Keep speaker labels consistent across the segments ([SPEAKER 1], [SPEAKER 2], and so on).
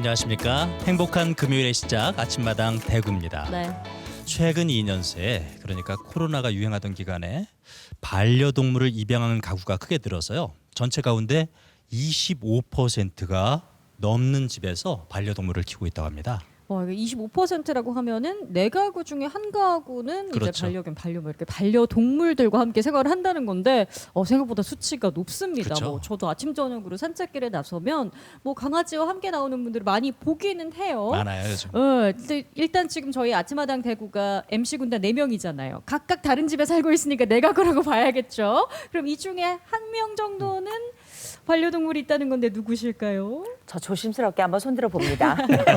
[SPEAKER 1] 안녕하십니까. 행복한 금요일의 시작 아침마당 대구입니다.
[SPEAKER 2] 네.
[SPEAKER 1] 최근 2년 새 그러니까 코로나가 유행하던 기간에 반려동물을 입양하는 가구가 크게 늘어서요. 전체 가운데 25%가 넘는 집에서 반려동물을 키우고 있다고 합니다.
[SPEAKER 2] 25%라고 하면은 네 가구 중에 한 가구는
[SPEAKER 1] 그렇죠.
[SPEAKER 2] 이제 반려견, 반려묘 이렇게 반려동물들과 함께 생활을 한다는 건데 생각보다 수치가 높습니다.
[SPEAKER 1] 그렇죠.
[SPEAKER 2] 뭐 저도 아침 저녁으로 산책길에 나서면 뭐 강아지와 함께 나오는 분들을 많이 보기는 해요.
[SPEAKER 1] 많아요 요즘.
[SPEAKER 2] 근데 일단 지금 저희 아침마당 대구가 MC 군단 4명이잖아요. 각각 다른 집에 살고 있으니까 네 가구라고 봐야겠죠. 그럼 이 중에 한 명 정도는 반려동물이 있다는 건데 누구실까요?
[SPEAKER 3] 저 조심스럽게 한번 손들어 봅니다.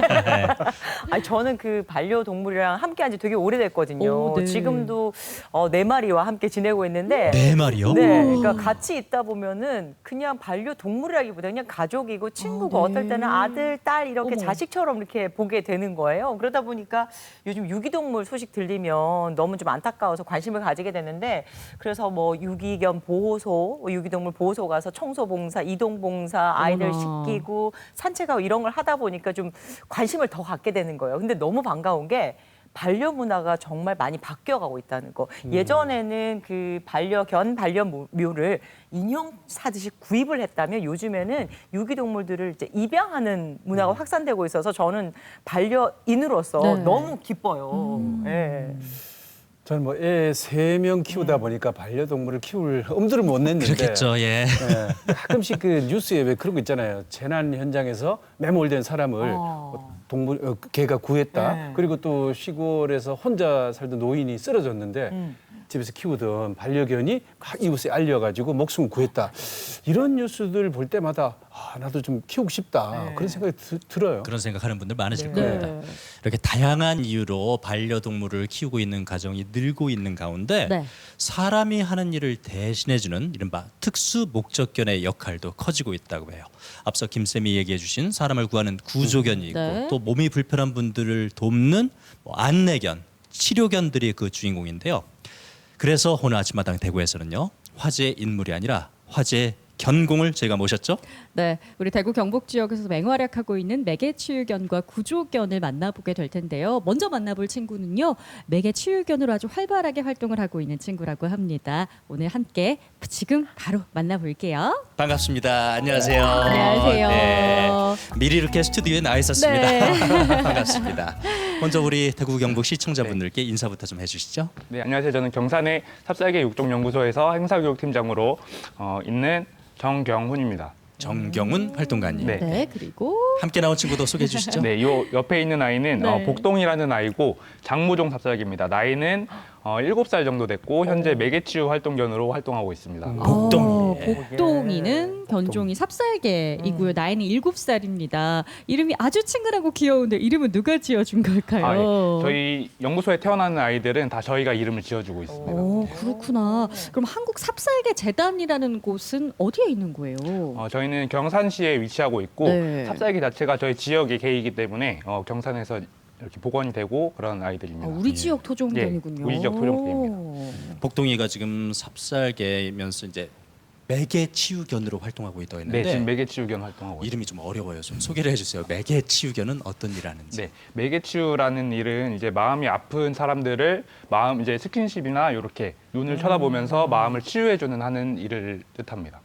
[SPEAKER 3] 아니, 저는 그 반려동물이랑 함께한 지 되게 오래됐거든요.
[SPEAKER 2] 오, 네.
[SPEAKER 3] 지금도 4마리와 함께 지내고 있는데
[SPEAKER 1] 네 마리요?
[SPEAKER 3] 네, 그러니까 같이 있다 보면은 그냥 반려동물이라기보다 그냥 가족이고 친구고
[SPEAKER 2] 네.
[SPEAKER 3] 어떨 때는 아들, 딸 이렇게
[SPEAKER 2] 어머.
[SPEAKER 3] 자식처럼 이렇게 보게 되는 거예요. 그러다 보니까 요즘 유기동물 소식 들리면 너무 좀 안타까워서 관심을 가지게 되는데 그래서 뭐 유기견 보호소, 유기동물 보호소 가서 청소봉사, 이동봉사, 아이들
[SPEAKER 2] 어머나.
[SPEAKER 3] 씻기고 산책하고 이런 걸 하다 보니까 좀 관심을 더 갖게 되는 거예요. 근데 너무 반가운 게 반려 문화가 정말 많이 바뀌어가고 있다는 거. 예전에는 그 반려견, 반려묘를 인형 사듯이 구입을 했다면 요즘에는 유기동물들을 이제 입양하는 문화가 확산되고 있어서 저는 반려인으로서
[SPEAKER 2] 네.
[SPEAKER 3] 너무 기뻐요. 예.
[SPEAKER 4] 저는 뭐 애 3명 키우다 보니까 반려동물을 키울 엄두를 못 냈는데
[SPEAKER 1] 그렇겠죠. 예.
[SPEAKER 4] 예, 가끔씩 그 뉴스에 왜 그런 거 있잖아요. 재난 현장에서 매몰된 사람을 개가 구했다.
[SPEAKER 3] 네.
[SPEAKER 4] 그리고 또 시골에서 혼자 살던 노인이 쓰러졌는데 집에서 키우던 반려견이 이웃에 알려가지고 목숨을 구했다. 이런 뉴스들 볼 때마다 나도 좀 키우고 싶다. 그런 생각이 들어요.
[SPEAKER 1] 그런 생각하는 분들 많으실
[SPEAKER 2] 네.
[SPEAKER 1] 겁니다. 이렇게 다양한 이유로 반려동물을 키우고 있는 가정이 늘고 있는 가운데
[SPEAKER 2] 네.
[SPEAKER 1] 사람이 하는 일을 대신해주는 이른바 특수 목적견의 역할도 커지고 있다고 해요. 앞서 김쌤이 얘기해 주신 사람을 구하는 구조견이 있고
[SPEAKER 2] 네.
[SPEAKER 1] 또 몸이 불편한 분들을 돕는 뭐 안내견, 치료견들이 그 주인공인데요. 그래서 오늘 아침마당 대구에서는요. 화제 인물이 아니라 화제 견공을 저희가 모셨죠.
[SPEAKER 2] 네, 우리 대구 경북 지역에서 맹활약하고 있는 매개치유견과 구조견을 만나보게 될 텐데요. 먼저 만나볼 친구는요. 매개치유견으로 아주 활발하게 활동을 하고 있는 친구라고 합니다. 오늘 함께 지금 바로 만나볼게요.
[SPEAKER 1] 반갑습니다. 안녕하세요.
[SPEAKER 2] 안녕하세요.
[SPEAKER 1] 네, 미리 이렇게 스튜디오에 나와 있었습니다.
[SPEAKER 2] 네.
[SPEAKER 1] 반갑습니다. 먼저 우리 대구 경북 시청자분들께 인사부터 좀 해주시죠.
[SPEAKER 5] 네, 안녕하세요. 저는 경산의 삽살개 육종연구소에서 행사교육팀장으로 있는 정경훈입니다.
[SPEAKER 1] 정경훈 활동가님.
[SPEAKER 5] 네.
[SPEAKER 2] 네, 그리고
[SPEAKER 1] 함께 나온 친구도 소개해 주시죠.
[SPEAKER 5] 네, 요 옆에 있는 아이는
[SPEAKER 2] 네.
[SPEAKER 5] 복동이라는 아이고 장무종 삽살개입니다. 나이는 7살 정도 됐고 현재 매개치유 활동견으로 활동하고 있습니다.
[SPEAKER 1] 복동이.
[SPEAKER 2] 복동이는 견종이 삽살개이고요. 나이는 7살입니다. 이름이 아주 친근하고 귀여운데 이름은 누가 지어준 걸까요?
[SPEAKER 5] 저희 연구소에 태어나는 아이들은 다 저희가 이름을 지어주고 있습니다.
[SPEAKER 2] 오, 그렇구나. 그럼 한국 삽살개 재단이라는 곳은 어디에 있는 거예요?
[SPEAKER 5] 저희는 경산시에 위치하고 있고
[SPEAKER 2] 네.
[SPEAKER 5] 삽살개 자체가 저희 지역의 개이기 때문에 경산에서 이렇게 복원이 되고 그런 아이들입니다.
[SPEAKER 2] 우리 지역 토종견이군요.
[SPEAKER 5] 예, 우리 지역 토종견입니다.
[SPEAKER 1] 복동이가 지금 삽살개면서 이제 매개치유견으로 활동하고 있다고
[SPEAKER 5] 네,
[SPEAKER 1] 했는데
[SPEAKER 5] 지금 매개치유견 활동하고 있습니다.
[SPEAKER 1] 이름이 좀 어려워요. 좀 소개를 해주세요. 매개치유견은 어떤 일 하는지.
[SPEAKER 5] 네, 매개치유라는 일은 이제 마음이 아픈 사람들을 마음 이제 스킨십이나 이렇게 눈을 쳐다보면서 마음을 치유해주는 하는 일을 뜻합니다.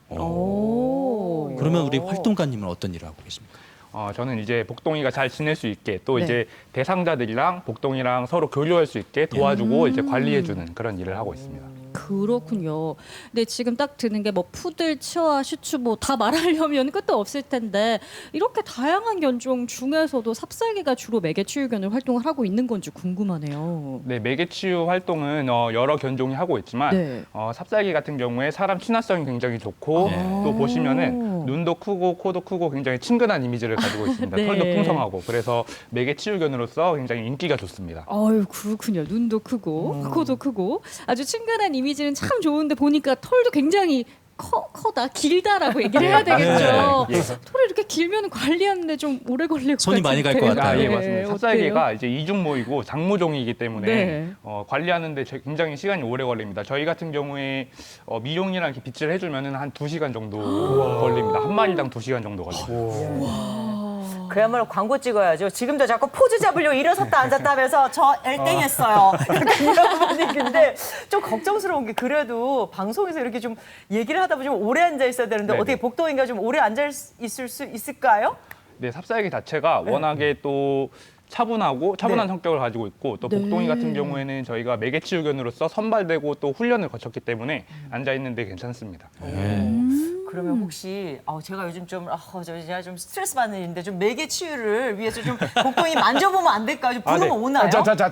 [SPEAKER 2] 오.
[SPEAKER 1] 그러면 우리 활동가님은 어떤 일을 하고 계십니까?
[SPEAKER 5] 저는 이제 복동이가 잘 지낼 수 있게 또
[SPEAKER 2] 네.
[SPEAKER 5] 이제 대상자들이랑 복동이랑 서로 교류할 수 있게 도와주고 이제 관리해주는 그런 일을 하고 있습니다.
[SPEAKER 2] 그렇군요. 근데 지금 딱 드는 게 뭐 푸들, 치와, 슈츠 뭐 다 말하려면 끝도 없을 텐데 이렇게 다양한 견종 중에서도 삽살개가 주로 매개치유견을 활동을 하고 있는 건지 궁금하네요.
[SPEAKER 5] 네, 매개치유 활동은 여러 견종이 하고 있지만
[SPEAKER 2] 네.
[SPEAKER 5] 삽살개 같은 경우에 사람 친화성이 굉장히 좋고 또 보시면은 눈도 크고 코도 크고 굉장히 친근한 이미지를 가지고 있습니다.
[SPEAKER 2] 네.
[SPEAKER 5] 털도 풍성하고 그래서 매개치유견으로서 굉장히 인기가 좋습니다.
[SPEAKER 2] 아유, 그렇군요. 눈도 크고 코도 크고 아주 친근한 이미지는 참 좋은데 보니까 털도 굉장히 커다 길다라고 얘기를 해야 되겠죠.
[SPEAKER 5] 네. 예.
[SPEAKER 2] 털이 이렇게 길면 관리하는데 좀 오래 걸릴 것
[SPEAKER 1] 손이 많이 갈것
[SPEAKER 2] 같은데.
[SPEAKER 1] 같아요.
[SPEAKER 5] 예, 맞습니다.
[SPEAKER 2] 어때요?
[SPEAKER 5] 삽살개가 이제 이중모이고 장모종이기 때문에
[SPEAKER 2] 네.
[SPEAKER 5] 관리하는데 굉장히 시간이 오래 걸립니다. 저희 같은 경우에 미용이랑 이렇게 빗질 해주면은 한 2시간 정도 걸립니다. 한 마리당 2시간 정도 걸립니다.
[SPEAKER 3] 그야말로 광고 찍어야죠. 지금도 자꾸 포즈 잡으려고 일어섰다 앉았다 하면서 저 1등 했어요. 이런 분위기인데 좀 걱정스러운 게 그래도 방송에서 이렇게 좀 얘기를 하다 보면 좀 오래 앉아 있어야 되는데
[SPEAKER 5] 네네.
[SPEAKER 3] 어떻게 복동이가 좀 오래 앉아 있을 수 있을까요?
[SPEAKER 5] 네, 삽살개 자체가 워낙에 또 차분한
[SPEAKER 3] 네.
[SPEAKER 5] 성격을 가지고 있고 또
[SPEAKER 2] 네.
[SPEAKER 5] 복동이 같은 경우에는 저희가 매개치유견으로서 선발되고 또 훈련을 거쳤기 때문에 앉아 있는데 괜찮습니다.
[SPEAKER 3] 그러면 혹시 제가 요즘 제가 좀 스트레스 받는 일인데 좀 매개 치유를 위해서 좀 복동이 만져보면 안 될까요? 좀 부르면 오나요?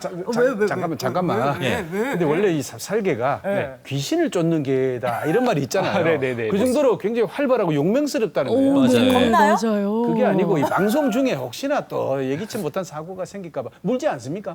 [SPEAKER 4] 잠깐만.
[SPEAKER 3] 왜?
[SPEAKER 4] 근데 원래 이 삽살개가
[SPEAKER 3] 네.
[SPEAKER 4] 귀신을 쫓는 개다 이런 말이 있잖아요.
[SPEAKER 5] 네네네.
[SPEAKER 4] 그 정도로 굉장히 활발하고 용맹스럽다는 거예요.
[SPEAKER 1] 맞아요.
[SPEAKER 3] 겁나요?
[SPEAKER 2] 맞아요.
[SPEAKER 4] 그게 아니고 이 방송 중에 혹시나 또 예기치 못한 사고가 생길까 봐 물지 않습니까?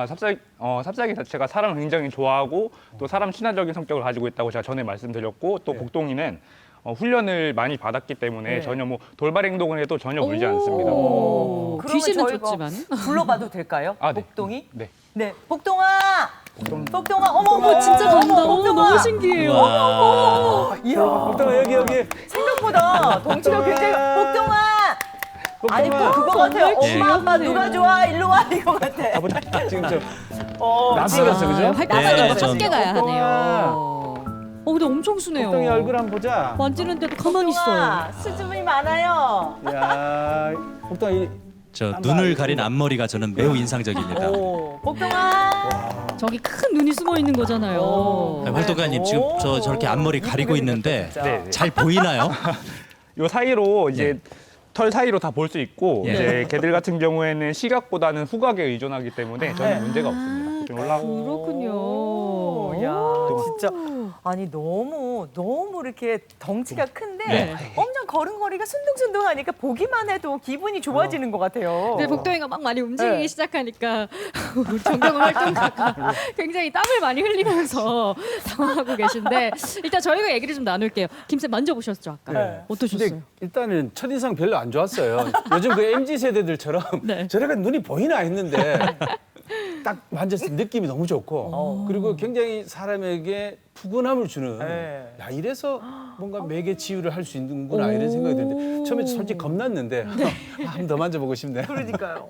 [SPEAKER 5] 삽살개 자체가 사람을 굉장히 좋아하고 또 사람 친화적인 성격을 가지고 있다고 제가 전에 말씀드렸고 또 복동이는 훈련을 많이 받았기 때문에
[SPEAKER 3] 네.
[SPEAKER 5] 전혀 뭐 돌발 행동을 해도 전혀 울지 않습니다.
[SPEAKER 3] 그러면
[SPEAKER 2] 귀신은
[SPEAKER 3] 저희가
[SPEAKER 2] 쫓지만.
[SPEAKER 3] 불러봐도 될까요?
[SPEAKER 5] 아, 네.
[SPEAKER 3] 복동이?
[SPEAKER 5] 네.
[SPEAKER 3] 네, 복동아! 복동아, 어머,
[SPEAKER 2] 진짜 간다.
[SPEAKER 3] 복동아!
[SPEAKER 2] 너무 신기해요.
[SPEAKER 1] 와.
[SPEAKER 3] 이야,
[SPEAKER 4] 복동아 여기.
[SPEAKER 3] 생각보다 덩치가 굉장히 복동아! 아니 뭐 그거 같아요.
[SPEAKER 2] 정말
[SPEAKER 3] 엄마 아빠
[SPEAKER 2] 귀엽네요.
[SPEAKER 3] 누가 좋아? 일로 와 이거 같아.
[SPEAKER 4] 아버지 지금 좀
[SPEAKER 3] 어,
[SPEAKER 4] 낯설었어, 그죠?
[SPEAKER 2] 활동하는 거
[SPEAKER 1] 좀-
[SPEAKER 2] 함께 가야
[SPEAKER 4] 복동아.
[SPEAKER 2] 하네요. 근데 엄청 순해요.
[SPEAKER 4] 복동이 얼굴 한번 보자.
[SPEAKER 2] 만지는데도 가만히 있어요.
[SPEAKER 3] 복동아, 수줍음이 많아요.
[SPEAKER 4] 야, 복동아
[SPEAKER 1] 저 눈을 가린 앞머리가 저는 매우 인상적입니다.
[SPEAKER 3] 오, 복동아.
[SPEAKER 2] 저기 큰 눈이 숨어 있는 거잖아요.
[SPEAKER 1] 네, 활동가님 지금
[SPEAKER 3] 오,
[SPEAKER 1] 저렇게 앞머리 가리고
[SPEAKER 3] 이쁘게
[SPEAKER 1] 있는데
[SPEAKER 3] 생겼다,
[SPEAKER 5] 네,
[SPEAKER 3] 진짜.
[SPEAKER 5] 네.
[SPEAKER 1] 잘 보이나요?
[SPEAKER 5] 요 사이로 이제 털 사이로 다 볼 수 있고
[SPEAKER 1] 예.
[SPEAKER 5] 이제 개들 같은 경우에는 시각보다는 후각에 의존하기 때문에 전혀 문제가 없습니다. 좀 올라오고
[SPEAKER 2] 그렇군요.
[SPEAKER 3] 오, 야, 진짜 아니 너무 이렇게 덩치가 큰데
[SPEAKER 1] 네.
[SPEAKER 3] 엄청 걸음걸이가 순둥순둥하니까 보기만 해도 기분이 좋아지는 것 같아요.
[SPEAKER 2] 근데 복동이가 막 많이 움직이기
[SPEAKER 3] 네.
[SPEAKER 2] 시작하니까 우리 정경훈 활동가가 굉장히 땀을 많이 흘리면서 당황하고 계신데 일단 저희가 얘기를 좀 나눌게요. 김쌤 만져보셨죠 아까?
[SPEAKER 3] 네.
[SPEAKER 2] 어떠셨어요?
[SPEAKER 4] 근데 일단은 첫인상 별로 안 좋았어요. 요즘 그 MZ 세대들처럼
[SPEAKER 2] 네.
[SPEAKER 4] 저래가 눈이 보이나 했는데 딱 만졌을 때 느낌이 너무 좋고 그리고 굉장히 사람에게 푸근함을 주는
[SPEAKER 3] 네.
[SPEAKER 4] 야 이래서 뭔가 매개 치유를 할 수 있는구나 이런 생각이 드는데 처음에 솔직히 겁났는데 한 번 더 만져보고 싶네요.
[SPEAKER 3] 그러니까요.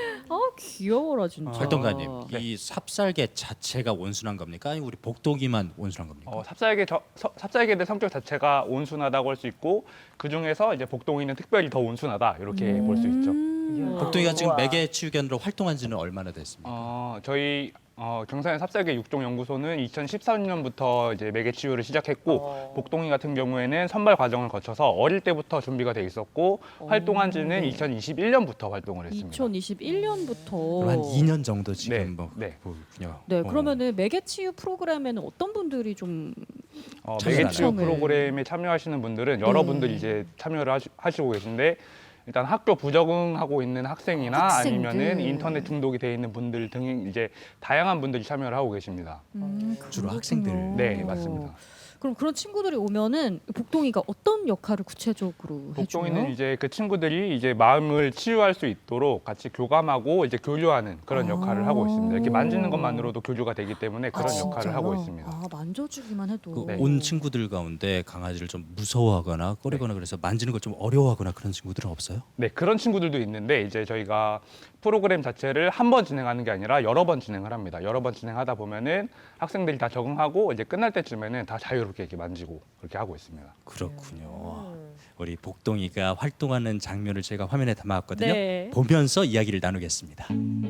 [SPEAKER 2] 귀여워라 진짜.
[SPEAKER 1] 활동가님, 이 삽살개 자체가 온순한 겁니까? 아니면 우리 복동이만 온순한 겁니까?
[SPEAKER 5] 삽살개들 성격 자체가 온순하다고 할 수 있고 그 중에서 이제 복동이는 특별히 더 온순하다 이렇게 볼 수 있죠.
[SPEAKER 1] 복동이가 지금
[SPEAKER 3] 우와.
[SPEAKER 1] 매개 치유견으로 활동한 지는 얼마나 됐습니까?
[SPEAKER 5] 저희 경산의 삽살개 육종연구소는 2013년부터 이제 매개 치유를 시작했고 복동이 같은 경우에는 선발 과정을 거쳐서 어릴 때부터 준비가 돼 있었고 활동한 지는 2021년부터 활동을 했습니다.
[SPEAKER 2] 2021년부터.
[SPEAKER 1] 그럼 한 2년 정도 지금
[SPEAKER 5] 네,
[SPEAKER 1] 뭐
[SPEAKER 5] 네.
[SPEAKER 1] 보군요.
[SPEAKER 2] 네, 그러면은 매개치유 프로그램에는 어떤 분들이 좀
[SPEAKER 1] 참여를
[SPEAKER 5] 매개치유
[SPEAKER 2] 하나요?
[SPEAKER 5] 프로그램에 참여하시는 분들은 여러분들이 이제 참여를 하시고 계신데 일단 학교 부적응하고 있는 학생이나
[SPEAKER 2] 학생들.
[SPEAKER 5] 아니면은 인터넷 중독이 돼 있는 분들 등 이제 다양한 분들이 참여를 하고 계십니다.
[SPEAKER 1] 주로 학생들.
[SPEAKER 5] 네, 맞습니다.
[SPEAKER 2] 그럼 그런 친구들이 오면은 복동이가 어떤 역할을 구체적으로 해줘요?
[SPEAKER 5] 복종이는 이제 그 친구들이 이제 마음을 치유할 수 있도록 같이 교감하고 이제 교류하는 그런 역할을 하고 있습니다. 이렇게 만지는 것만으로도 교류가 되기 때문에 그런 역할을 하고 있습니다.
[SPEAKER 2] 만져주기만 해도.
[SPEAKER 1] 그 온 친구들 가운데 강아지를 좀 무서워하거나 꺼리거나 그래서 만지는 걸 좀 어려워하거나 그런 친구들은 없어요?
[SPEAKER 5] 네, 그런 친구들도 있는데 이제 저희가 프로그램 자체를 한 번 진행하는 게 아니라 여러 번 진행을 합니다. 여러 번 진행하다 보면은 학생들이 다 적응하고 이제 끝날 때쯤에는 다 자유롭게 이렇게 만지고 그렇게 하고 있습니다.
[SPEAKER 1] 그렇군요. 우리 복동이가 활동하는 장면을 제가 화면에 담아왔거든요.
[SPEAKER 2] 네.
[SPEAKER 1] 보면서 이야기를 나누겠습니다.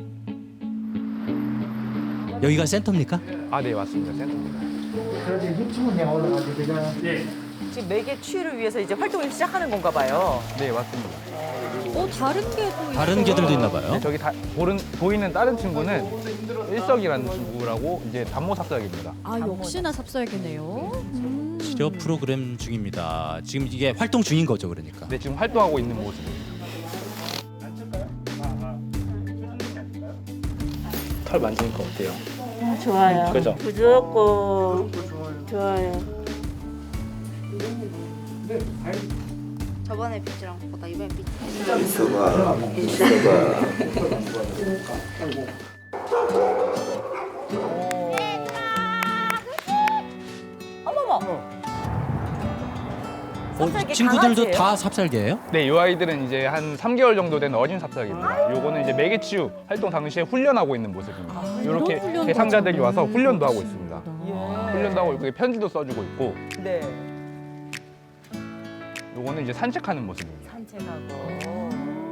[SPEAKER 1] 여기가 센터입니까?
[SPEAKER 5] 아, 네, 맞습니다. 센터입니다.
[SPEAKER 3] 지금 매개 치유를 위해서 이제 활동을 시작하는 건가 봐요.
[SPEAKER 5] 네, 맞습니다.
[SPEAKER 2] 다른 개도
[SPEAKER 1] 다른
[SPEAKER 2] 있어요.
[SPEAKER 1] 개들도 있나 봐요.
[SPEAKER 5] 네, 저기 보이는 다른 친구는 일석이라는 친구라고 이제 단모삭삭입니다.
[SPEAKER 2] 역시나 삽살개네요.
[SPEAKER 1] 치료 프로그램 중입니다. 지금 이게 활동 중인 거죠, 그러니까.
[SPEAKER 5] 네, 지금 활동하고 있는 모습입니다. 털 만지니까 어때요?
[SPEAKER 6] 좋아요.
[SPEAKER 5] 그죠?
[SPEAKER 6] 부드럽고 좋아요. 저번에 빛이랑 보다 이번에 빛.
[SPEAKER 3] 어머머. 삽살개
[SPEAKER 1] 친구들도
[SPEAKER 3] 강아지예요?
[SPEAKER 1] 다 삽살개예요?
[SPEAKER 5] 네, 이 아이들은 이제 한 3개월 정도 된 어린 삽살개입니다. 요거는 이제 매개치유 활동 당시에 훈련하고 있는 모습입니다. 이렇게
[SPEAKER 2] 이런 훈련도
[SPEAKER 5] 대상자들이 와서
[SPEAKER 2] 하잖아요.
[SPEAKER 5] 훈련도 하고 있습니다.
[SPEAKER 3] 예.
[SPEAKER 5] 훈련도 하고 있고 편지도 써주고 있고
[SPEAKER 3] 네.
[SPEAKER 5] 요거는 이제 산책하는 모습입니다.
[SPEAKER 3] 산책하고.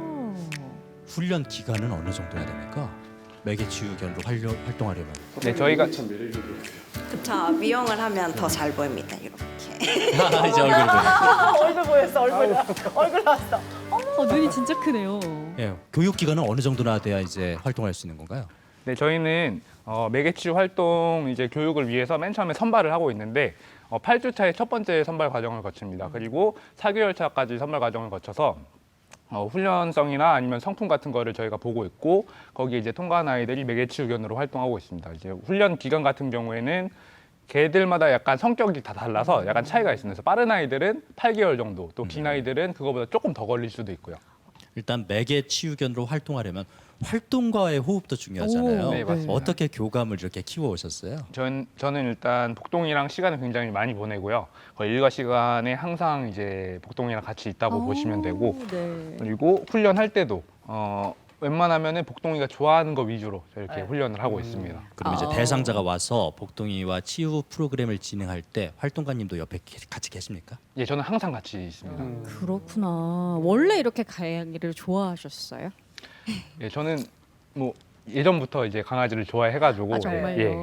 [SPEAKER 1] 훈련 기간은 어느 정도 해야 됩니까? 매개치유견으로 활동하려면.
[SPEAKER 5] 네, 저희가
[SPEAKER 6] 자, 미용을 하면 더 잘 보입니다. 이렇게.
[SPEAKER 1] 이제 얼굴 보여.
[SPEAKER 3] 얼굴 보였어. 얼굴 나왔어.
[SPEAKER 2] 눈이 진짜 크네요.
[SPEAKER 1] 예, 교육 기간은 어느 정도나 돼야 이제 활동할 수 있는 건가요?
[SPEAKER 5] 네, 저희는 매개치유 활동 이제 교육을 위해서 맨 처음에 선발을 하고 있는데 8주 차에 첫 번째 선발 과정을 거칩니다. 그리고 4개월 차까지 선발 과정을 거쳐서 훈련성이나 아니면 성품 같은 거를 저희가 보고 있고 거기에 이제 통과한 아이들이 매개치유견으로 활동하고 있습니다. 이제 훈련 기간 같은 경우에는 개들마다 약간 성격이 다 달라서 약간 차이가 있습니다. 그래서 빠른 아이들은 8개월 정도, 또 긴 아이들은 그거보다 조금 더 걸릴 수도 있고요.
[SPEAKER 1] 일단 매개치유견으로 활동하려면 활동과의 호흡도 중요하잖아요.
[SPEAKER 2] 오,
[SPEAKER 5] 네, 맞습니다.
[SPEAKER 1] 어떻게 교감을 이렇게 키워 오셨어요?
[SPEAKER 5] 저는 일단 복동이랑 시간을 굉장히 많이 보내고요. 거의 일과 시간에 항상 이제 복동이랑 같이 있다고 보시면 되고
[SPEAKER 2] 네.
[SPEAKER 5] 그리고 훈련할 때도 웬만하면은 복동이가 좋아하는 거 위주로 이렇게
[SPEAKER 3] 네.
[SPEAKER 5] 훈련을 하고 있습니다.
[SPEAKER 1] 그럼 이제
[SPEAKER 2] 아.
[SPEAKER 1] 대상자가 와서 복동이와 치유 프로그램을 진행할 때 활동가님도 옆에 같이 계십니까?
[SPEAKER 5] 예, 저는 항상 같이 있습니다.
[SPEAKER 2] 그렇구나. 원래 이렇게 강아지를 좋아하셨어요?
[SPEAKER 5] 예, 저는 뭐 예전부터 이제 강아지를 좋아해가지고
[SPEAKER 2] 아 정말요.
[SPEAKER 5] 예.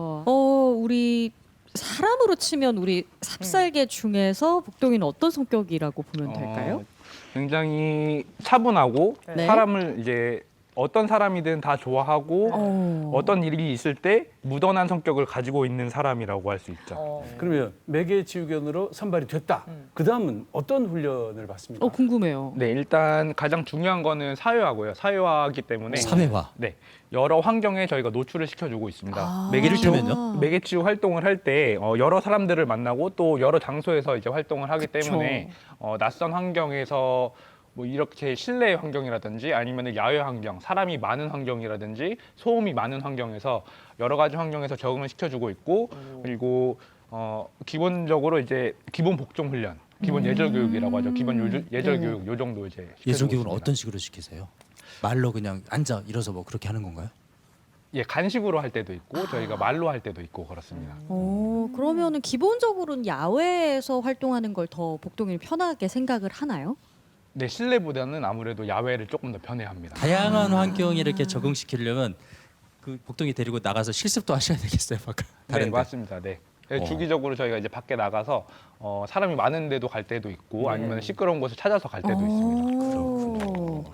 [SPEAKER 2] 우리 사람으로 치면 우리 삽살개 중에서 복동이는 어떤 성격이라고 보면 될까요?
[SPEAKER 5] 굉장히 차분하고
[SPEAKER 2] 네.
[SPEAKER 5] 사람을 이제 어떤 사람이든 다 좋아하고 어떤 일이 있을 때 무던한 성격을 가지고 있는 사람이라고 할 수 있죠.
[SPEAKER 4] 그러면 매개치유견으로 선발이 됐다. 그 다음은 어떤 훈련을 받습니까?
[SPEAKER 2] 궁금해요.
[SPEAKER 5] 네, 일단 가장 중요한 거는 사회화고요. 사회화이기 때문에
[SPEAKER 1] 사회화.
[SPEAKER 5] 네, 여러 환경에 저희가 노출을 시켜주고 있습니다.
[SPEAKER 2] 아.
[SPEAKER 1] 이를테면요?
[SPEAKER 5] 매개치유 활동을 할 때 여러 사람들을 만나고 또 여러 장소에서 이제 활동을 하기
[SPEAKER 2] 그쵸.
[SPEAKER 5] 때문에 낯선 환경에서 뭐 이렇게 실내 환경이라든지 아니면 야외 환경, 사람이 많은 환경이라든지 소음이 많은 환경에서 여러 가지 환경에서 적응을 시켜주고 있고 그리고 기본적으로 이제 기본 복종 훈련, 기본 예절 교육이라고 하죠. 기본 예절 교육 요 정도 이제 시켜주고
[SPEAKER 1] 예절 교육은
[SPEAKER 5] 있습니다.
[SPEAKER 1] 어떤 식으로 시키세요? 말로 그냥 앉아 일어서 뭐 그렇게 하는 건가요?
[SPEAKER 5] 예, 간식으로 할 때도 있고 저희가 말로 할 때도 있고 그렇습니다.
[SPEAKER 2] 그러면은 기본적으로는 야외에서 활동하는 걸 더 복동이를 편하게 생각을 하나요?
[SPEAKER 5] 네, 실내보다는 아무래도 야외를 조금 더 편해합니다.
[SPEAKER 1] 다양한 환경에 이렇게 적응시키려면 그 복동이 데리고 나가서 실습도 하셔야 되겠어요, 막
[SPEAKER 5] 네,
[SPEAKER 1] 다른데.
[SPEAKER 5] 맞습니다. 네. 네,
[SPEAKER 1] 어.
[SPEAKER 5] 주기적으로 저희가 이제 밖에 나가서 사람이 많은 데도 갈 때도 있고 아니면 시끄러운 곳을 찾아서 갈 때도 있습니다.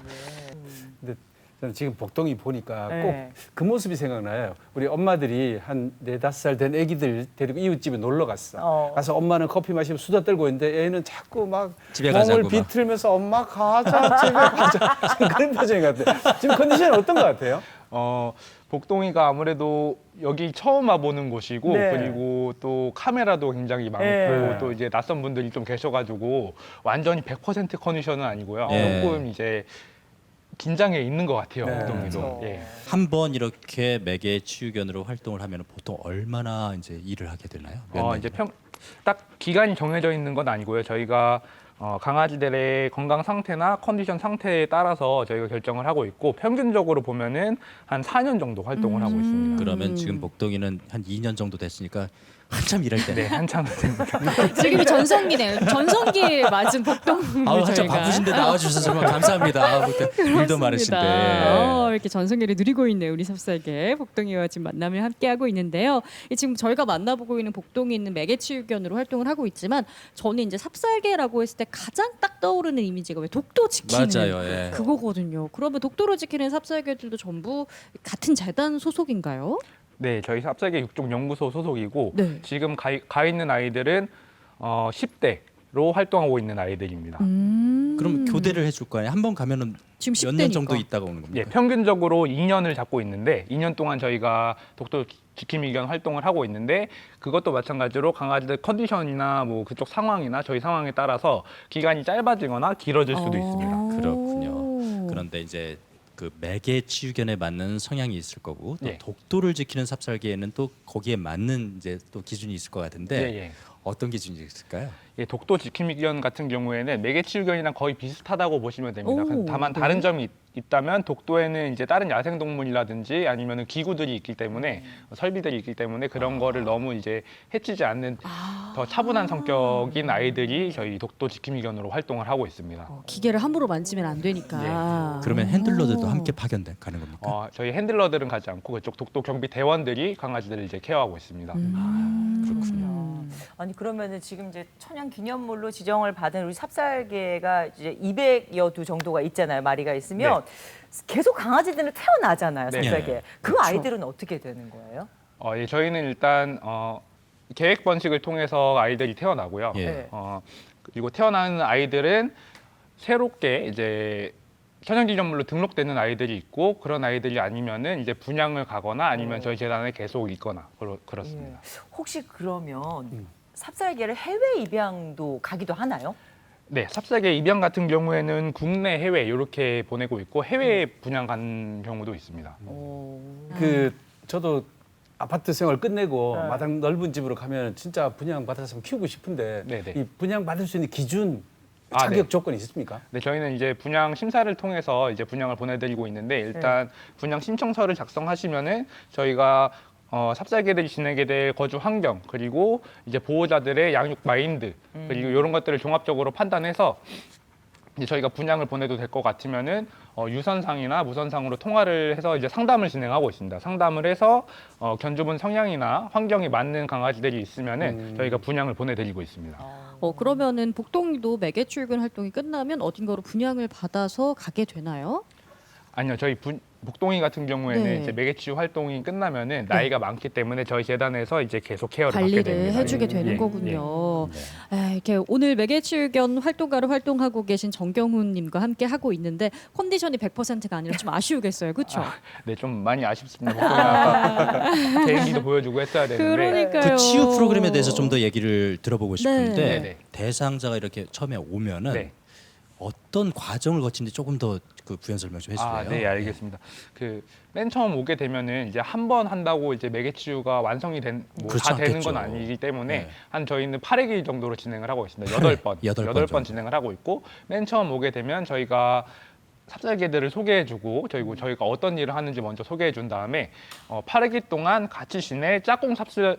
[SPEAKER 4] 근데 저는 지금 복동이 보니까
[SPEAKER 3] 네.
[SPEAKER 4] 꼭 그 모습이 생각나요. 우리 엄마들이 한 4-5살 된 아기들 데리고 이웃집에 놀러 갔어. 가서 엄마는 커피 마시고 수다 떨고 있는데 애는 자꾸 막
[SPEAKER 1] 집에
[SPEAKER 4] 몸을
[SPEAKER 1] 가자고 막.
[SPEAKER 4] 비틀면서 엄마 가자, 집에 가자. 지금 그런 표정인 것 같아요. 지금 컨디션이 어떤 것 같아요?
[SPEAKER 5] 복동이가 아무래도 여기 처음 와보는 곳이고
[SPEAKER 3] 네.
[SPEAKER 5] 그리고 또 카메라도 굉장히 많고
[SPEAKER 3] 네.
[SPEAKER 5] 또 이제 낯선 분들이 좀 계셔가지고 완전히 100% 컨디션은 아니고요.
[SPEAKER 1] 네.
[SPEAKER 5] 조금 이제 긴장해 있는 것 같아요.
[SPEAKER 4] 네.
[SPEAKER 5] 복동이도.
[SPEAKER 3] 그렇죠.
[SPEAKER 5] 예.
[SPEAKER 1] 한번 이렇게 매개치유견으로 활동을 하면 보통 얼마나 이제 일을 하게 되나요? 몇
[SPEAKER 5] 이제
[SPEAKER 1] 년이나?
[SPEAKER 5] 딱 기간이 정해져 있는 건 아니고요. 저희가 강아지들의 건강 상태나 컨디션 상태에 따라서 저희가 결정을 하고 있고 평균적으로 보면은 한 4년 정도 활동을 하고 있습니다.
[SPEAKER 1] 그러면 지금 복동이는 한 2년 정도 됐으니까 한참 일할 때네.
[SPEAKER 5] 네, 한참 됩니다.
[SPEAKER 2] 지금이 전성기네요. 전성기에 맞은 복동을
[SPEAKER 1] 아우 한참
[SPEAKER 2] 저희가.
[SPEAKER 1] 바쁘신데 나와주셔서 정말 감사합니다. 아우, 일도 많으신데.
[SPEAKER 2] 이렇게 전성기를 누리고 있는 우리 삽살개 복동이와 지금 만남을 함께 하고 있는데요. 지금 저희가 만나보고 있는 복동이 있는 매개치유견으로 활동을 하고 있지만 저는 이제 삽살개라고 했을 때 가장 딱 떠오르는 이미지가 왜 독도 지키는
[SPEAKER 1] 맞아요. 예.
[SPEAKER 2] 그거거든요. 그러면 독도를 지키는 삽살개들도 전부 같은 재단 소속인가요?
[SPEAKER 5] 네, 저희 삽살개 육종 연구소 소속이고
[SPEAKER 2] 네.
[SPEAKER 5] 지금 가 있는 아이들은 10대로 활동하고 있는 아이들입니다.
[SPEAKER 1] 그럼 교대를 해줄 거 아니에요? 한 번 가면은
[SPEAKER 2] 지금
[SPEAKER 1] 몇 년
[SPEAKER 2] 10대니까.
[SPEAKER 1] 정도 있다가 오는 겁니까?
[SPEAKER 5] 예, 평균적으로 2년을 잡고 있는데 2년 동안 저희가 독도 지킴이견 활동을 하고 있는데 그것도 마찬가지로 강아지들 컨디션이나 뭐 그쪽 상황이나 저희 상황에 따라서 기간이 짧아지거나 길어질 수도 있습니다.
[SPEAKER 1] 그렇군요. 그런데 이제 그 매개치유견에 맞는 성향이 있을 거고 또
[SPEAKER 5] 예.
[SPEAKER 1] 독도를 지키는 삽살개에는 또 거기에 맞는 이제 또 기준이 있을 것 같은데
[SPEAKER 5] 예, 예.
[SPEAKER 1] 어떤 기준이 있을까요?
[SPEAKER 5] 예, 독도 지킴이견 같은 경우에는 매개치유견이랑 거의 비슷하다고 보시면 됩니다.
[SPEAKER 2] 오,
[SPEAKER 5] 다만
[SPEAKER 2] 네.
[SPEAKER 5] 다른 점이 있다면 독도에는 이제 다른 야생동물이라든지 아니면 기구들이 있기 때문에 설비들이 있기 때문에 그런 거를 너무 이제 해치지 않는 더 차분한 성격인 아이들이 저희 독도 지킴이견으로 활동을 하고 있습니다.
[SPEAKER 2] 기계를 함부로 만지면 안 되니까.
[SPEAKER 1] 그러면 핸들러들도 함께 파견가는 겁니까?
[SPEAKER 5] 저희 핸들러들은 가지 않고 그쪽 독도 경비 대원들이 강아지들을 이제 케어하고 있습니다.
[SPEAKER 1] 그렇군요.
[SPEAKER 3] 아니 그러면은 지금 이제 천연 기념물로 지정을 받은 우리 삽살개가 이제 200여 두 정도가 있잖아요. 마리가 있으면 계속 강아지들은 태어나잖아요.
[SPEAKER 5] 네.
[SPEAKER 3] 삽살개.
[SPEAKER 1] 네.
[SPEAKER 3] 그 아이들은 어떻게 되는 거예요?
[SPEAKER 5] 예, 저희는 일단 계획 번식을 통해서 아이들이 태어나고요.
[SPEAKER 1] 예.
[SPEAKER 3] 네.
[SPEAKER 5] 그리고 태어나는 아이들은 새롭게 이제 천연기념물로 등록되는 아이들이 있고 그런 아이들이 아니면은 이제 분양을 가거나 아니면 저희 재단에 계속 있거나 그렇습니다.
[SPEAKER 3] 혹시 그러면 삽살개를 해외 입양도 가기도 하나요?
[SPEAKER 5] 네, 삽살개 입양 같은 경우에는 국내, 해외 이렇게 보내고 있고 해외 분양 간 경우도 있습니다.
[SPEAKER 4] 그 저도 아파트 생활 끝내고
[SPEAKER 3] 네.
[SPEAKER 4] 마당 넓은 집으로 가면 진짜 분양 받아서 키우고 싶은데
[SPEAKER 5] 네네.
[SPEAKER 4] 이 분양 받을 수 있는 기준
[SPEAKER 5] 아,
[SPEAKER 4] 자격
[SPEAKER 5] 네.
[SPEAKER 4] 조건이 있습니까?
[SPEAKER 5] 네, 저희는 이제 분양 심사를 통해서 이제 분양을 보내드리고 있는데 일단 분양 신청서를 작성하시면은 저희가 삽살개들이 지내게 될 거주 환경 그리고 이제 보호자들의 양육 마인드 그리고 이런 것들을 종합적으로 판단해서 이제 저희가 분양을 보내도 될 것 같으면은 유선상이나 무선상으로 통화를 해서 이제 상담을 진행하고 있습니다. 상담을 해서 견주분 성향이나 환경이 맞는 강아지들이 있으면은 저희가 분양을 보내드리고 있습니다.
[SPEAKER 2] 그러면은 복동이도 매개출근 활동이 끝나면 어딘가로 분양을 받아서 가게 되나요?
[SPEAKER 5] 아니요, 저희 복동이 같은 경우에는
[SPEAKER 2] 네.
[SPEAKER 5] 이제 매개치유 활동이 끝나면은 나이가 많기 때문에 저희 재단에서 이제 계속 케어를 받게
[SPEAKER 2] 관리를
[SPEAKER 5] 됩니다.
[SPEAKER 2] 해주게
[SPEAKER 5] 예,
[SPEAKER 2] 되는
[SPEAKER 5] 예,
[SPEAKER 2] 거군요. 이렇게 오늘 매개치유견 활동가로 활동하고 계신 정경훈님과 함께 하고 있는데 컨디션이 100%가 아니라 좀 아쉬우겠어요, 그렇죠?
[SPEAKER 5] 네, 좀 많이 아쉽습니다. 복동이 아까 개인기도 보여주고 했어야 되는데.
[SPEAKER 2] 그러니까요.
[SPEAKER 1] 그 치유 프로그램에 대해서 좀 더 얘기를 들어보고 싶은데
[SPEAKER 5] 네. 네.
[SPEAKER 1] 대상자가 이렇게 처음에 오면은
[SPEAKER 5] 네.
[SPEAKER 1] 어떤 과정을 거치는지 조금 더 그 부연 설명 좀 해주세요.
[SPEAKER 5] 네, 알겠습니다. 맨 처음 오게 되면은 이제 한 번 한다고 이제 매개치유가 완성이 다
[SPEAKER 1] 그렇지
[SPEAKER 5] 되는
[SPEAKER 1] 않겠죠.
[SPEAKER 5] 건 아니기 때문에
[SPEAKER 1] 네.
[SPEAKER 5] 한 저희는 8회기 정도로 진행을 하고 있습니다. 8번.
[SPEAKER 1] 여덟 번
[SPEAKER 5] 8번
[SPEAKER 1] 정도.
[SPEAKER 5] 진행을 하고 있고 맨 처음 오게 되면 저희가 삽살개들을 소개해주고 저희가 어떤 일을 하는지 먼저 소개해준 다음에 8회기 동안 같이 지낼 짝꿍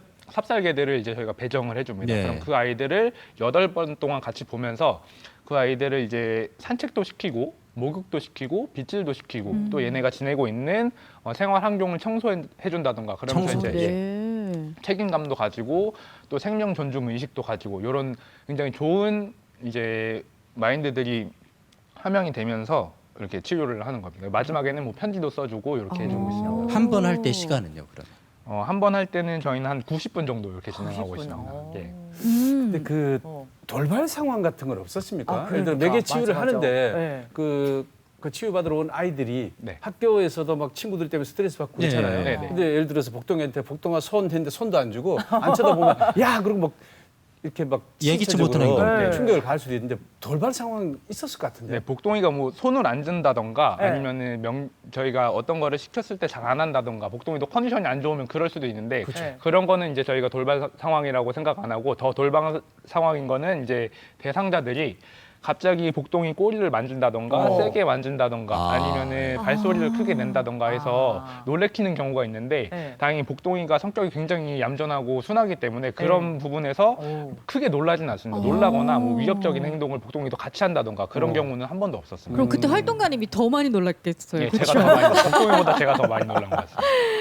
[SPEAKER 5] 삽살개들을 이제 저희가 배정을 해줍니다.
[SPEAKER 1] 네.
[SPEAKER 5] 그럼 그 아이들을 8번 동안 같이 보면서 그 아이들을 이제 산책도 시키고 목욕도 시키고 빗질도 시키고 또 얘네가 지내고 있는 생활 환경을 청소해준다던가 그러면서
[SPEAKER 1] 청소.
[SPEAKER 5] 이제
[SPEAKER 2] 네.
[SPEAKER 5] 책임감도 가지고 또 생명 존중 의식도 가지고 이런 굉장히 좋은 이제 마인드들이 함양이 되면서 이렇게 치료를 하는 겁니다. 마지막에는 뭐 편지도 써주고 이렇게 해주고 있습니다.
[SPEAKER 1] 한 번 할 때 시간은요, 그러면?
[SPEAKER 5] 한 번 할 때는 저희는 한 90분 정도 이렇게 진행하고
[SPEAKER 3] 90분.
[SPEAKER 5] 있습니다. 예.
[SPEAKER 4] 근데 그
[SPEAKER 3] 어.
[SPEAKER 4] 돌발 상황 같은 건 없었습니까?
[SPEAKER 3] 아,
[SPEAKER 4] 예를 들어
[SPEAKER 3] 그러니까.
[SPEAKER 4] 매개 치유를
[SPEAKER 3] 맞아, 맞아.
[SPEAKER 4] 하는데
[SPEAKER 3] 네.
[SPEAKER 4] 그 치유받으러 온 아이들이
[SPEAKER 5] 네.
[SPEAKER 4] 학교에서도 막 친구들 때문에 스트레스 받고
[SPEAKER 1] 네.
[SPEAKER 4] 있잖아요.
[SPEAKER 5] 네, 네.
[SPEAKER 4] 근데 예를 들어서 복동이한테 복동아 손 했는데 손도 안 주고 안 쳐다보면 야 그리고 막 이렇게 막
[SPEAKER 1] 예기치
[SPEAKER 4] 신체적으로
[SPEAKER 1] 못한
[SPEAKER 3] 행동. 네.
[SPEAKER 4] 충격을 가할 수도 있는데 돌발 상황 있었을 것 같은데.
[SPEAKER 5] 네, 복동이가 뭐 손을 안 든다던가
[SPEAKER 3] 네.
[SPEAKER 5] 아니면은 저희가 어떤 거를 시켰을 때 잘 안 한다던가 복동이도 컨디션이 안 좋으면 그럴 수도 있는데
[SPEAKER 3] 그쵸.
[SPEAKER 5] 그런 거는 이제 저희가 돌발 상황이라고 생각 안 하고 더 돌발 상황인 거는 이제 대상자들이 갑자기 복동이 꼬리를 만진다던가 세게 만진다던가
[SPEAKER 1] 아.
[SPEAKER 5] 아니면은 발소리를 크게 낸다던가 해서 놀래키는 경우가 있는데
[SPEAKER 3] 네.
[SPEAKER 5] 다행히 복동이가 성격이 굉장히 얌전하고 순하기 때문에 그런 부분에서 크게 놀라진 않습니다. 놀라거나 뭐 위협적인 행동을 복동이도 같이 한다던가 그런 경우는 한 번도 없었습니다.
[SPEAKER 2] 그럼 그때 활동가님이 더 많이 놀랐겠어요.
[SPEAKER 5] 예,
[SPEAKER 2] 그렇죠?
[SPEAKER 5] 제가 더 많이 복동이보다 제가 더 많이 놀란 것 같습니다.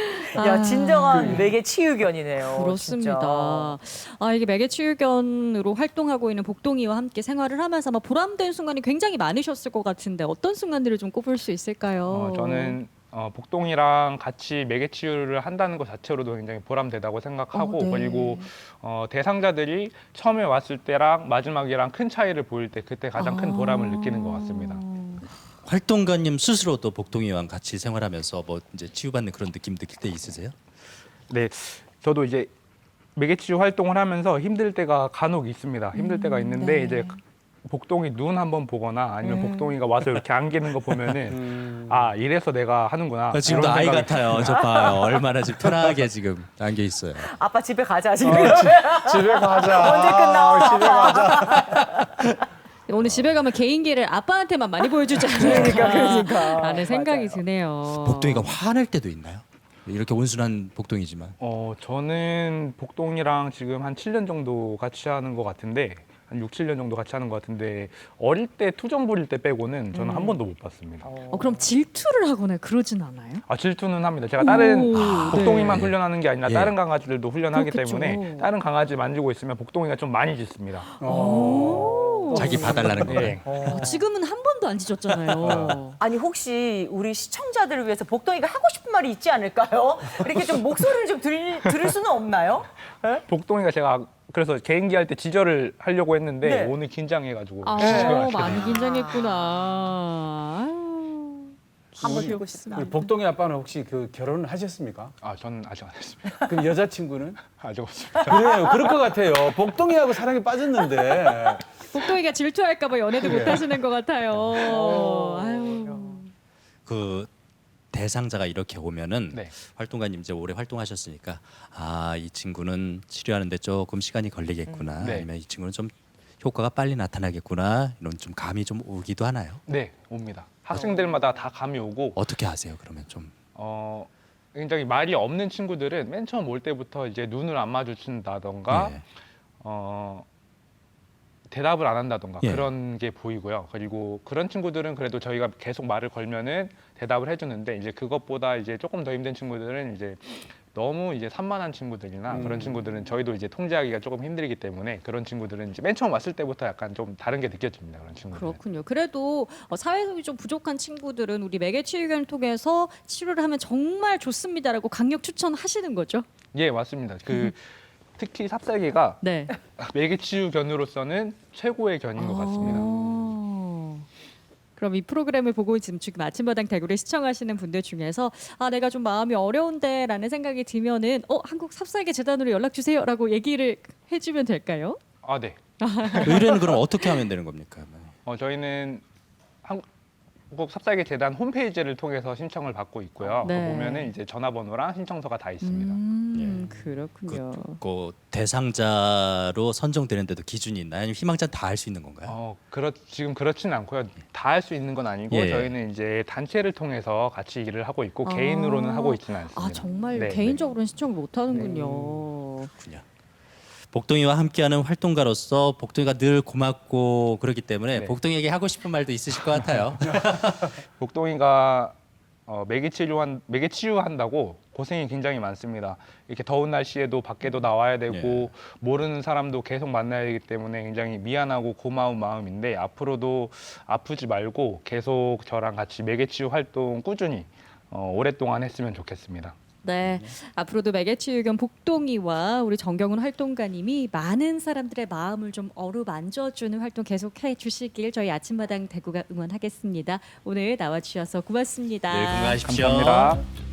[SPEAKER 3] 야 진정한 매개 치유견이네요.
[SPEAKER 2] 그렇습니다. 이게 매개치유견으로 활동하고 있는 복동이와 함께 생활을 하면서 아마 보람된 순간이 굉장히 많으셨을 것 같은데 어떤 순간들을 좀 꼽을 수 있을까요?
[SPEAKER 5] 저는 복동이랑 같이 매개치유를 한다는 것 자체로도 굉장히 보람되다고 생각하고
[SPEAKER 2] 네.
[SPEAKER 5] 그리고 대상자들이 처음에 왔을 때랑 마지막이랑 큰 차이를 보일 때 그때 가장 큰 보람을 느끼는 것 같습니다.
[SPEAKER 1] 활동가님 스스로도 복동이와 같이 생활하면서 뭐 이제 치유받는 그런 느낌 느낄 때 있으세요?
[SPEAKER 5] 네, 저도 이제 매개치유 활동을 하면서 힘들 때가 간혹 있습니다. 힘들 때가 있는데
[SPEAKER 2] 네.
[SPEAKER 5] 이제 복동이 눈 한번 보거나 아니면 복동이가 와서 이렇게 안기는 거 보면은 아 이래서 내가 하는구나.
[SPEAKER 1] 지금도
[SPEAKER 5] 이런
[SPEAKER 1] 아이
[SPEAKER 5] 생각이
[SPEAKER 1] 같아요. 저 봐요. 얼마나 지금 편하게 지금 안겨 있어요.
[SPEAKER 3] 아빠 집에 가자 지금.
[SPEAKER 4] 집에 가자.
[SPEAKER 3] 언제 끝나?
[SPEAKER 4] 집에 가자.
[SPEAKER 2] 오늘 집에 가면 개인기를 아빠한테만 많이 보여주지 않을까
[SPEAKER 3] 그러니까.
[SPEAKER 2] 라는 생각이
[SPEAKER 3] 맞아요.
[SPEAKER 2] 드네요.
[SPEAKER 1] 복동이가 화낼 때도 있나요? 이렇게 온순한 복동이지만.
[SPEAKER 5] 저는 복동이랑 지금 한 7년 정도 같이 하는 것 같은데 한 6, 7년 정도 같이 하는 것 같은데 어릴 때 투정 부릴 때 빼고는 저는 한 번도 못 봤습니다.
[SPEAKER 2] 그럼 질투를 하거나 그러진 않아요?
[SPEAKER 5] 아 질투는 합니다. 제가 다른
[SPEAKER 2] 오,
[SPEAKER 5] 복동이만
[SPEAKER 1] 네.
[SPEAKER 5] 훈련하는 게 아니라
[SPEAKER 1] 예.
[SPEAKER 5] 다른 강아지들도 훈련하기
[SPEAKER 2] 그렇겠죠.
[SPEAKER 5] 때문에 다른 강아지 만지고 있으면 복동이가 좀 많이 짖습니다.
[SPEAKER 2] 오.
[SPEAKER 1] 자기 봐달라는 거.
[SPEAKER 5] 예.
[SPEAKER 2] 지금은 한 번도 안 짖었잖아요.
[SPEAKER 3] 아니 혹시 우리 시청자들을 위해서 복동이가 하고 싶은 말이 있지 않을까요? 이렇게 좀 목소리를 좀 들을 수는 없나요?
[SPEAKER 5] 복동이가 제가 그래서 개인기 할 때 지절을 하려고 했는데
[SPEAKER 3] 네.
[SPEAKER 5] 오늘 긴장해가지고
[SPEAKER 2] 아,
[SPEAKER 5] 지절을 하게
[SPEAKER 2] 많이
[SPEAKER 5] 됐네요.
[SPEAKER 2] 긴장했구나. 아유.
[SPEAKER 3] 한번 들고 싶다.
[SPEAKER 4] 우리 복동이 아빠는 혹시 그 결혼을 하셨습니까?
[SPEAKER 5] 아 저는 아직 안 했습니다.
[SPEAKER 4] 그럼 여자친구는?
[SPEAKER 5] 아직 없습니다.
[SPEAKER 4] 그래요. 그럴 것 같아요. 복동이하고 사랑에 빠졌는데.
[SPEAKER 2] 복동이가 질투할까봐 연애도 못 하시는 것 같아요. 아유.
[SPEAKER 1] 그 대상자가 이렇게 오면은
[SPEAKER 5] 네.
[SPEAKER 1] 활동가님 이제 오래 활동하셨으니까 아 이 친구는 치료하는데 조금 시간이 걸리겠구나.
[SPEAKER 5] 네.
[SPEAKER 1] 아니면 이 친구는 좀 효과가 빨리 나타나겠구나. 이런 좀 감이 좀 오기도 하나요?
[SPEAKER 5] 네 옵니다. 학생들마다 다 감이 오고
[SPEAKER 1] 어떻게 하세요? 그러면 좀
[SPEAKER 5] 굉장히 말이 없는 친구들은 맨 처음 올 때부터 이제 눈을 안 마주친다던가
[SPEAKER 1] 예.
[SPEAKER 5] 대답을 안 한다던가
[SPEAKER 1] 예.
[SPEAKER 5] 그런 게 보이고요. 그리고 그런 친구들은 그래도 저희가 계속 말을 걸면은 대답을 해주는데 이제 그것보다 이제 조금 더 힘든 친구들은 이제 너무 이제 산만한 친구들이나 그런 친구들은 저희도 이제 통제하기가 조금 힘들기 때문에 그런 친구들은 이제 맨 처음 왔을 때부터 약간 좀 다른 게 느껴집니다. 그런 친구들은.
[SPEAKER 2] 그렇군요. 그래도 사회성이 좀 부족한 친구들은 우리 매개치유견을 통해서 치료를 하면 정말 좋습니다라고 강력 추천하시는 거죠?
[SPEAKER 5] 예 맞습니다. 그 특히 삽살개가
[SPEAKER 2] 네.
[SPEAKER 5] 매개치유 견으로서는 최고의 견인 것 같습니다.
[SPEAKER 2] 그럼 이 프로그램을 보고 지금 아침마당 대구를 시청하시는 분들 중에서 아 내가 좀 마음이 어려운데라는 생각이 들면은 한국 삽살개 재단으로 연락 주세요라고 얘기를 해주면 될까요?
[SPEAKER 5] 아 네.
[SPEAKER 1] 의뢰는 그럼 어떻게 하면 되는 겁니까?
[SPEAKER 5] 저희는 한국 삽살개 재단 홈페이지를 통해서 신청을 받고 있고요.
[SPEAKER 2] 네.
[SPEAKER 5] 그 보면은 이제 전화번호랑 신청서가 다 있습니다.
[SPEAKER 2] 그렇군요.
[SPEAKER 1] 그 대상자로 선정되는데도 기준이 있나요? 아니면 희망자는 다 할 수 있는 건가요?
[SPEAKER 5] 지금 그렇지는 않고요. 다 할 수 있는 건 아니고
[SPEAKER 1] 예.
[SPEAKER 5] 저희는 이제 단체를 통해서 같이 일을 하고 있고 개인으로는 하고 있지는 않습니다.
[SPEAKER 2] 아 정말
[SPEAKER 5] 네,
[SPEAKER 2] 개인적으로는 신청을 못 하는군요.
[SPEAKER 1] 그렇군요. 복동이와 함께하는 활동가로서 복동이가 늘 고맙고 그렇기 때문에
[SPEAKER 5] 네.
[SPEAKER 1] 복동이에게 하고 싶은 말도 있으실 것 같아요.
[SPEAKER 5] 복동이가 매개 치유한다고 고생이 굉장히 많습니다. 이렇게 더운 날씨에도 밖에도 나와야 되고
[SPEAKER 1] 예.
[SPEAKER 5] 모르는 사람도 계속 만나야 되기 때문에 굉장히 미안하고 고마운 마음인데 앞으로도 아프지 말고 계속 저랑 같이 매개 치유 활동 꾸준히 오랫동안 했으면 좋겠습니다.
[SPEAKER 2] 네, 앞으로도 매개치유견 복동이와 우리 정경훈 활동가님이 많은 사람들의 마음을 좀 어루만져주는 활동 계속해 주시길 저희 아침마당 대구가 응원하겠습니다. 오늘 나와주셔서 고맙습니다.
[SPEAKER 1] 늘 건강하십시오.
[SPEAKER 5] 감사합니다.